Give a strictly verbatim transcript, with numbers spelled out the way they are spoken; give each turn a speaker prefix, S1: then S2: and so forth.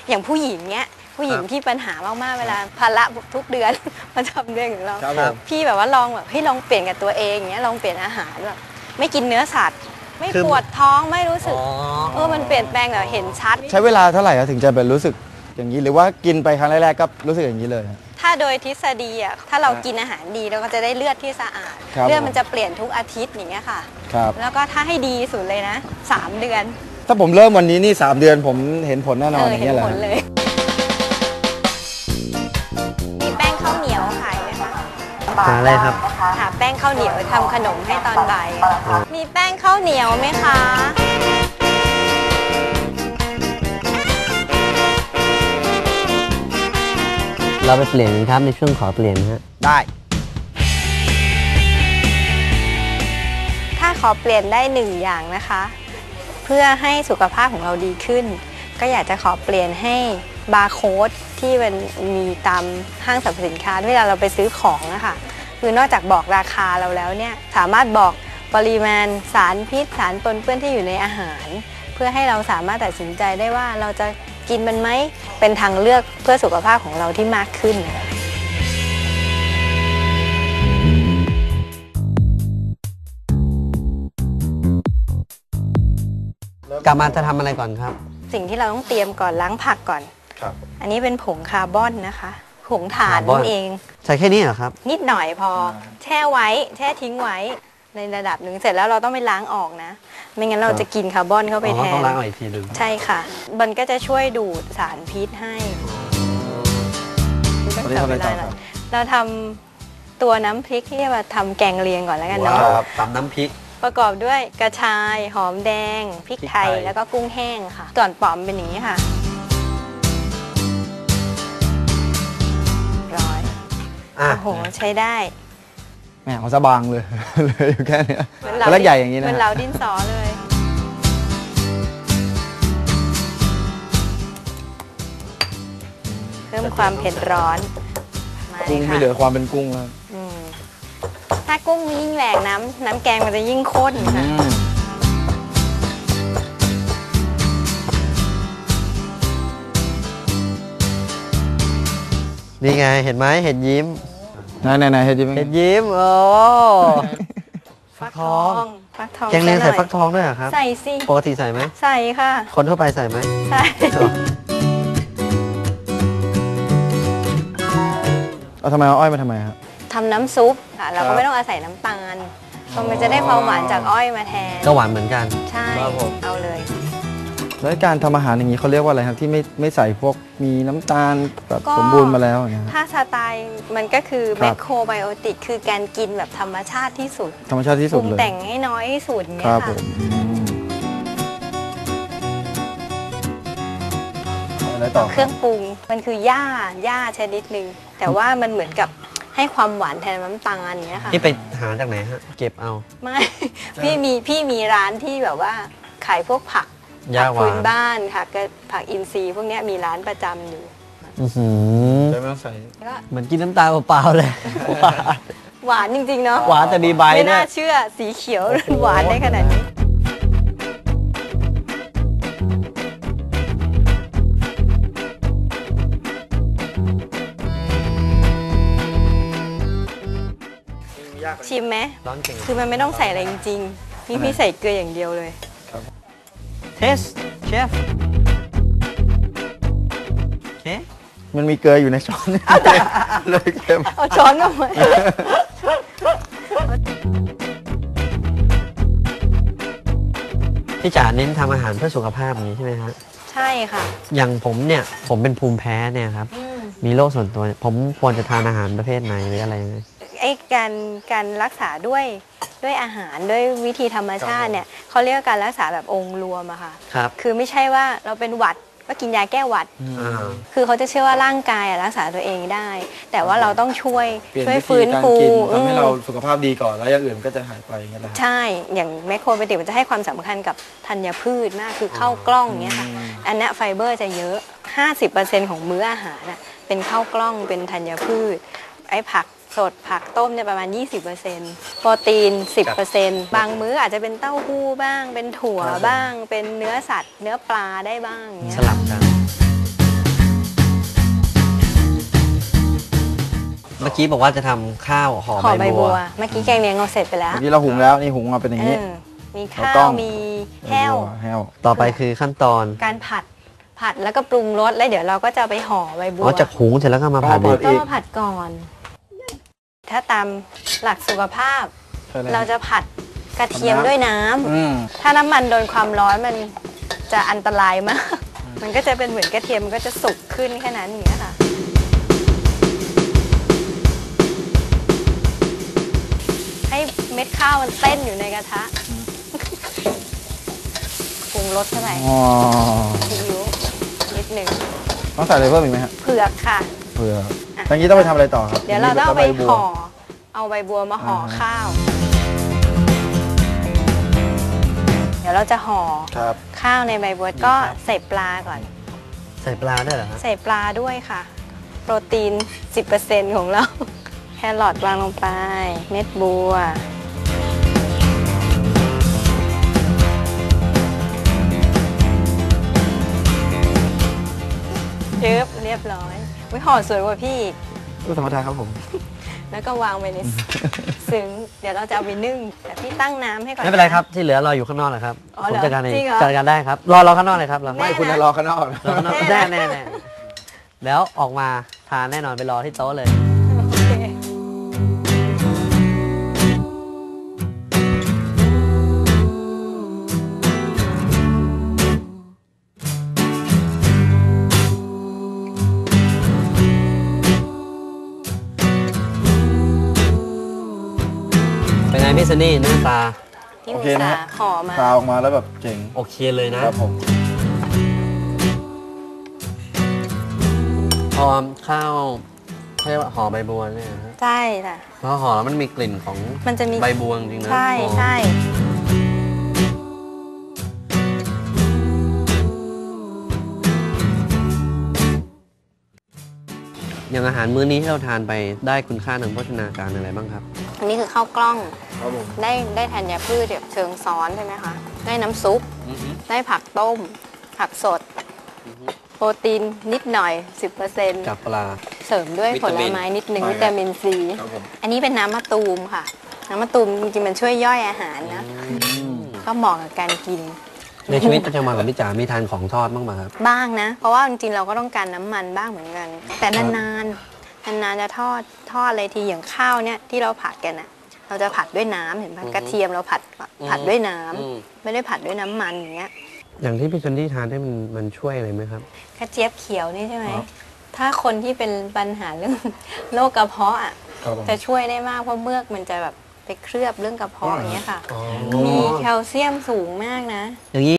S1: อย่างผู้หญิงเนี้ยผู้หญิงที่ปัญหามากๆเวลาภาระทุกเดือนมาทำเรื่องของเราพี่แบบว่าลองแบบให้ลองเปลี่ยนกับตัวเองเนี้ยลองเปลี่ยนอาหารแบบไม่กินเนื้อสัตว์ไม่ปวดท้องไม่รู้สึกเออมันเปลี่ยนแปลงแบบเห็นชัด
S2: ใช้เวลาเท่าไหร่ถึงจะเป็นรู้สึกอย่างนี้หรือว่ากินไปครั้งแรกๆก็รู้สึกอย่างนี้เลย
S1: ถ้าโดยทฤษฎีอ่ะถ้าเรากินอาหารดีเราก็จะได้เลือดที่สะอาดเลือดมันจะเปลี่ยนทุกอาทิตย์อย่างเงี้ยค่ะแล้วก็ถ้าให้ดีสุดเลยนะสามเดือน
S2: ถ้าผมเริ่มวันนี้นี่สามเดือนผมเห็นผลแน่นอนอย่างเงี้ยแหละ
S1: มีแป้งข้าวเหนียวขายไหมคะ
S3: หาอะไรครับ
S1: หาแป้งข้าวเหนียวทำขนมให้ตอนบ่ายมีแป้งข้าวเหนียวไหมคะ
S3: เราไปเปลี่ยนครับในช่วงขอเปลี่ยนฮะ
S2: ได้
S1: ถ้าขอเปลี่ยนได้หนึ่งอย่างนะคะเพื่อให้สุขภาพของเราดีขึ้นก็อยากจะขอเปลี่ยนให้บาร์โค้ดที่มันมีตามห้างสรรพสินค้าเวลาเราไปซื้อของนะคะคือนอกจากบอกราคาเราแล้วเนี่ยสามารถบอกปริมาณสารพิษสารปนเปื้อนที่อยู่ในอาหารเพื่อให้เราสามารถตัดสินใจได้ว่าเราจะกินมันไหมเป็นทางเลือกเพื่อสุขภาพของเราที่มากขึ้น
S3: กลับมาจะทำอะไรก่อนครับ
S1: สิ่งที่เราต้องเตรียมก่อนล้างผักก่อน
S2: ครับ
S1: อันนี้เป็นผงคาร์บอนนะคะผงถ่านนั่นเอง
S3: ใส่แค่นี้เหรอครับ
S1: นิดหน่อยพอแช่ไว้แช่ทิ้งไว้ในระดับหนึ่งเสร็จแล้วเราต้องไปล้างออกนะไม่งั้นเราจะกินคาร์บอนเข้าไปแทน
S3: ต้องล้างออกอีกทีหนึ่ง
S1: ใช่ค่ะมันก็จะช่วยดูดสารพิษให้เราทำตัวน้ำพริกที่จะมาทำแกงเลียงก่อนแล้วกันเนาะ
S3: ตำน้ำพริก
S1: ประกอบด้วยกระชายหอมแดงพริกไทยแล้วก็กุ้งแห้งค่ะส่วนปอมเป็นอย่างนี้ค่ะร้อยโอ้โหใช้ได้
S2: แหมเขาสบางเลยเลยอยู่แค่นี้แล้วใหญ่อย่างนี้นะ
S1: เป็นเราดินสอเลยเพิ่มความเผ็ดร้อน
S2: กุ้งไม่เหลือความเป็นกุ้งแล้ว
S1: ถ้ากุ้งยิ่งแหลกน้ำน้ำแกงมันจะยิ่งข้นค่ะ
S3: นี่ไงเห็นไหมเห็ดยิ้ม
S2: ไหนไหนไหนเห็ดยิ้ม
S3: เห็ดยิ้มโอ้
S1: ฟักทองฟักทอง
S3: แกงเลียงใส่ฟักทองด้วยเหรอครับ
S1: ใส่สิ
S3: ปกติใส่ไหม
S1: ใส่ค่ะ
S3: คนทั่วไปใส่ไหม
S1: ใส่
S2: เอาทำไมเอาอ้อยมาทำไมครับ
S1: ทำน้ำซุปค่ะเราก็ไม่ต้องอาศัยน้ำตาลมันจะได้ความหวานจากอ้อยมาแทน
S3: ก็หวานเหมือนกัน
S1: ใช่เอาเลย
S2: แล้วการทำอาหารอย่างนี้เขาเรียกว่าอะไรครับที่ไม่ไม่ใส่พวกมีน้ำตาลแบบสมบูรณ์มาแล้วนะ
S1: ถ้าสไตล์มันก็คือแมคโครไบโอติกคือการกินแบบธรรมชาติที่สุด
S2: ธรรมชาติที่สุดเลย
S1: ปรุงแต่งให้น้อยที่สุดเนี่ยค่ะเครื่องปรุงมันคือหญ้าหญ้าชนิดหนึ่งแต่ว่ามันเหมือนกับให้ความหวานแทนน้ำตาลเนี้ยค่ะ
S3: พี่ไปหาจากไหนฮะเก็บเอา
S1: ไม่พี่มีพี่มีร้านที่แบบว่าขายพวกผักผักพื้นบ้านค่ะก็ผักอินทรีย์พวกนี้มีร้านประจำอยู่
S2: ได้ไม่ใส่
S3: เหมือนกินน้ำตาลเปล่าๆเลย
S1: หวานจริงๆเนาะ
S3: หวานแต่มีใบ
S1: ไม่น่าเชื่อสีเขียวหวานได้ขนาดนี้ชิมไหมคือมันไม่ต้องใส่อะไรจริงๆพี่พี่ใส่เกลืออย่างเดียวเลย
S3: เทสเชฟโอเค
S2: มันมีเกลืออยู่ในช้อนเลยเค็ม
S1: เอาช้อนมาไหม
S3: พี่จ๋าเน้นทำอาหารเพื่อสุขภาพอย่างนี้ใช่ไหมฮะ
S1: ใช่ค่ะ
S3: อย่างผมเนี่ยผมเป็นภูมิแพ้เนี่ยครับมีโรคส่วนตัวผมควรจะทานอาหารประเภทไหนหรืออะไรยังไง
S1: ไอ้การการรักษาด้วยด้วยอาหารด้วยวิธีธรรมชาติเนี่ยเขาเรียกการรักษาแบบองค์รวมอะค่ะ
S3: ครับ
S1: คือไม่ใช่ว่าเราเป็นหวัดก็กินยาแก้หวัดคือเขาจะเชื่อว่าร่างกายรักษาตัวเองได้แต่ว่าเราต้องช่วยช่วยฟื้นฟู
S2: ทำให้เราสุขภาพดีก่อนแล้วอย่างอื่นก็จะหายไปอย่างเงี้ย
S1: ใช่อย่างแมคโครไบโอติกมันจะให้ความสำคัญกับธัญพืชมากคือข้าวกล้องเงี้ยค่ะอันนี้ไฟเบอร์จะเยอะ ห้าสิบเปอร์เซ็นต์ ของมื้ออาหารเป็นข้าวกล้องเป็นธัญพืชไอ้ผักสดผักต้มเนี่ยประมาณ ยี่สิบเปอร์เซ็นต์ โปรตีน สิบเปอร์เซ็นต์ บางมื้ออาจจะเป็นเต้าหู้บ้างเป็นถั่วบ้างเป็นเนื้อสัตว์เนื้อปลาได้บ้าง
S3: สลับกันมื่อกี้บอกว่าจะทำข้าวห่อ
S1: ห่อ
S3: ใบ
S1: ใบ
S3: บั
S1: บั
S3: ว
S1: ว เมื่อกี้แกงเลียงเราเสร็จไปแล้ว
S2: เมื่อกี้เราหุงแล้วนี่หุงมาเป็นอย่างนี้
S1: เออมี
S2: แล้ว
S1: ข้า
S2: ต้
S1: ว
S2: อง
S1: มีแห้ว
S2: แห้ว
S3: ต่อไปคือขั้นตอน
S1: การผัดผัดแล้วก็ปรุงรสแล้วเดี๋ยวเราก็จะเอาไปห่อใบบัว
S3: อ๋อจากหุงเสร็จแล้วก็มาผัด
S2: อ๋อ
S3: อีก
S1: ต้องมาผัดก่อน ถ้าตามหลักสุขภาพ
S2: ใช่แล้ว
S1: เราจะผัดกระเทียมด้วยน้ำ
S2: อืม
S1: ถ้าน้ำมันโดนความร้อนมันจะอันตรายมาก มันก็จะเป็นเหมือนกระเทียมมันก็จะสุกขึ้นแค่นั้นอย่างเงี้ยค่ะ ให้เม็ดข้าวมันเต้นอยู่ในกระทะปรุงรสเท่าไหร่
S2: อ๋อ
S1: ซีอิ๊วนิดหนึ่ง
S2: ต้องใส่อะไรเพิ่มอีกไหมฮะ
S1: เผือกค่ะ
S2: เผื่ออย่างนี้ต้องไปทำอะไรต่อครับ
S1: เดี๋ยวเราต้องเอาไป
S2: ใบบัว
S1: ห่อ เอาใบบัวมาห่ออา ข้าว เดี๋ยวเราจะห่อ
S2: ครับ
S1: ข้าวในใบบัวก็ใส่ปลาก่อน
S3: ใส่ปลาด้วยเหรอฮะ
S1: ใส่ปลาด้วยค่ะ โปรตีน สิบเปอร์เซ็นต์ ของเรา แครอทวางลงไป เม็ดบัว เรียบเรียบร้อยวิห่อสวยกว่าพี่อีก
S2: ก็ธรรมดาครับผม
S1: แล้วก็วางไว้ใน ซึ้ง เดี๋ยวเราจะเอาไปนึ่ง แต่พี่ตั้งน้ำให้ก่อน
S3: ไม่เป็นไรครับที่เหลือรออยู่ข้างนอกแหละครับ
S1: อ๋อ
S3: ผม
S1: เหรอ
S3: จัดการเอง
S1: จริงเหรอ
S3: จัดการได้ครับรอรอข้างนอกเลยครับรอ
S1: แน่
S2: ไม่คุณจะรอข้างนอก
S3: รอข้างนอกแน่แน่แน่แล้วออกมาทานแน่นอนไปรอที่โต๊ะเลย
S1: โอเค
S3: เป็นไงพี่ซันนี่หน้าตา
S1: ที่
S2: โอ
S1: อุต
S2: เคนะ
S1: ส่า
S2: ฮะ
S1: ห์ห่อมา
S2: ซาวออกมาแล้วแบบเจ๋ง
S3: โอเคเลยนะ
S2: ครับผม
S3: พอข้าวเขาเรียกว่าห่อใบบัวเนี่ยนะฮะ
S1: ใช่ค่ะ
S3: พอห่อแล้วมันมีกลิ่นของ
S1: มันจะมี
S3: ใบบัวจริงๆนะ
S1: ใช่
S3: หอม
S1: ใช่
S3: อย่างอาหารมื้อนี้ที่เราทานไปได้คุณค่าทางโภชนาการอะไรบ้างครับ
S1: อันนี้คือข้าวกล้อง
S2: ครับผม
S1: ได้ได้ธัญพืชแบบเชิงซ้อนใช่ไหมคะ ได้น้ำซุป ได้ผักต้ม ผักสด โปรตีนนิดหน่อย สิบเปอร์เซ็นต์
S3: จากปลา
S1: เสริมด้วย
S3: วิ
S1: ผ
S3: ตา
S1: ล
S3: มิน
S1: ไม้นิดนึง
S2: ใช่
S1: วิตามินซี
S2: ครับผม
S1: อันนี้เป็นน้ำมะตูมค่ะ น้ำมะตูมจริงๆมันช่วยย่อยอาหารนะ ก็เหมาะกับการกิน
S3: ในชีวิตประจำวันของพี่จ๋ามีทานของทอดบ้างไหมครับ
S1: บ้างนะ เพราะว่าจริงๆเราก็ต้องการน้ำมันบ้างเหมือนกัน แต่นานๆ นานๆจะทอดทอดอะไรทีอย่างข้าวเนี่ยที่เราผัดกันอะเราจะผัดด้วยน้ำเห็นปะ
S3: อือฮึ
S1: กระเทียมเราผัดผัดด้วยน้ำ
S3: อืม
S1: ไม่ได้ผัดด้วยน้ำมันอย่างเงี้ย
S3: อย่างที่พี่ซันนี่ทานได้มันมันช่วยอะไรไหมครับ
S1: กระเจี๊ยบเขียวนี่ใช่ไหม
S2: ครับ
S1: ถ้าคนที่เป็นปัญหาเรื่อง โรคกระเพาะอะ
S2: ครับผม
S1: จะช่วยได้มากเพราะเมือกมันจะแบบไปเคลือบเรื่องกระเพาะอย่างเงี้ยค่ะ
S3: อ๋อ
S1: มีแคลเซียมสูงมากนะ
S3: อย่างนี้